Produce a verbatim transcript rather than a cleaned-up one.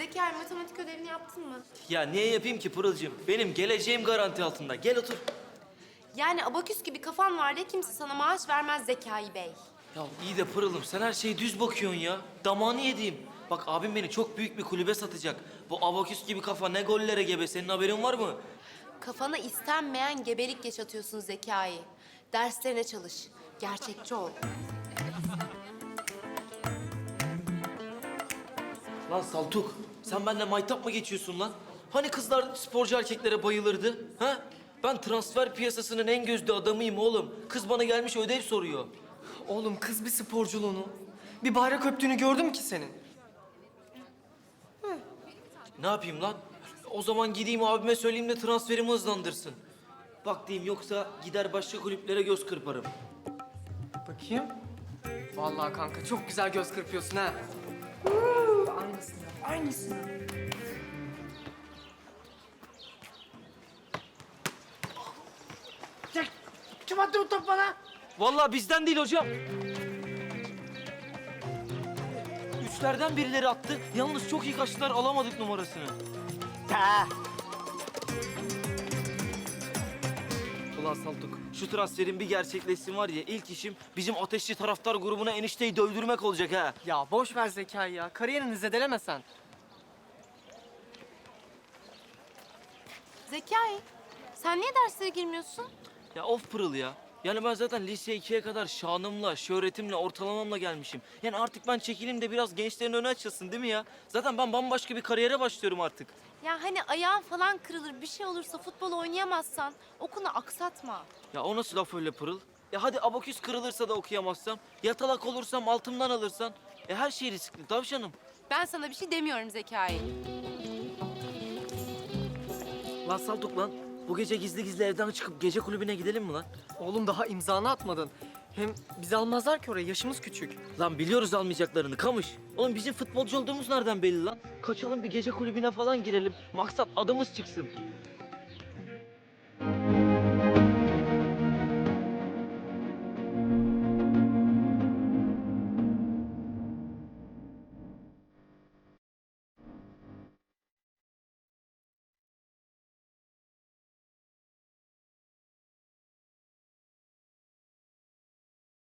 Zekai, matematik ödevini yaptın mı? Ya niye yapayım ki Pırıl'cığım? Benim geleceğim garanti altında. Gel otur. Yani abaküs gibi kafan var diye kimse sana maaş vermez Zekai Bey. Ya iyi de Pırıl'ım sen her şeye düz bakıyorsun ya. Damağını yediğim. Bak abim beni çok büyük bir kulübe satacak. Bu abaküs gibi kafa ne gollere gebe. Senin haberin var mı? Kafana istenmeyen gebelik yaşatıyorsun Zekai. Derslerine çalış. Gerçekçi ol. Lan Saltuk, sen benimle maytap mı geçiyorsun lan? Hani kızlar sporcu erkeklere bayılırdı, ha? Ben transfer piyasasının en gözde adamıyım oğlum. Kız bana gelmiş ödev soruyor. Oğlum kız bir sporculuğunu, bir bayrak öptüğünü gördüm ki senin. Ne yapayım lan? O zaman gideyim abime söyleyeyim de transferimi hızlandırsın. Bak diyeyim yoksa gider başka kulüplere göz kırparım. Bakayım. Vallahi kanka çok güzel göz kırpıyorsun ha. Aynısını, aynısını. Kim attı bu topu bana? Vallahi bizden değil hocam. Üçlerden birileri attı. Yalnız çok iyi kaçtılar, alamadık numarasını. Ta. Ulan Saltuk, şu transferin bir gerçekleşsin var ya, ilk işim bizim ateşli taraftar grubuna enişteyi dövdürmek olacak ha. Ya boş ver Zekai ya. Kariyerini zedeleme sen. Zekai, sen niye derslere girmiyorsun? Ya of Pırıl ya. Yani ben zaten lise ikiye kadar şanımla, şöhretimle, ortalamamla gelmişim. Yani artık ben çekileyim de biraz gençlerin önü açılsın değil mi ya? Zaten ben bambaşka bir kariyere başlıyorum artık. Ya hani ayağın falan kırılır, bir şey olursa futbol oynayamazsan okunu aksatma. Ya o nasıl laf öyle Pırıl? Ya hadi abaküs kırılırsa da okuyamazsam, yatalak olursam altımdan alırsan. E her şey riskli tavşanım. Ben sana bir şey demiyorum Zekai. Lan Saltuk lan, bu gece gizli gizli evden çıkıp gece kulübüne gidelim mi lan? Oğlum daha imzanı atmadın. Hem bizi almazlar ki oraya, yaşımız küçük. Lan biliyoruz almayacaklarını kamış. Oğlum bizim futbolcu olduğumuz nereden belli lan? Kaçalım bir gece kulübüne falan girelim. Maksat adımız çıksın.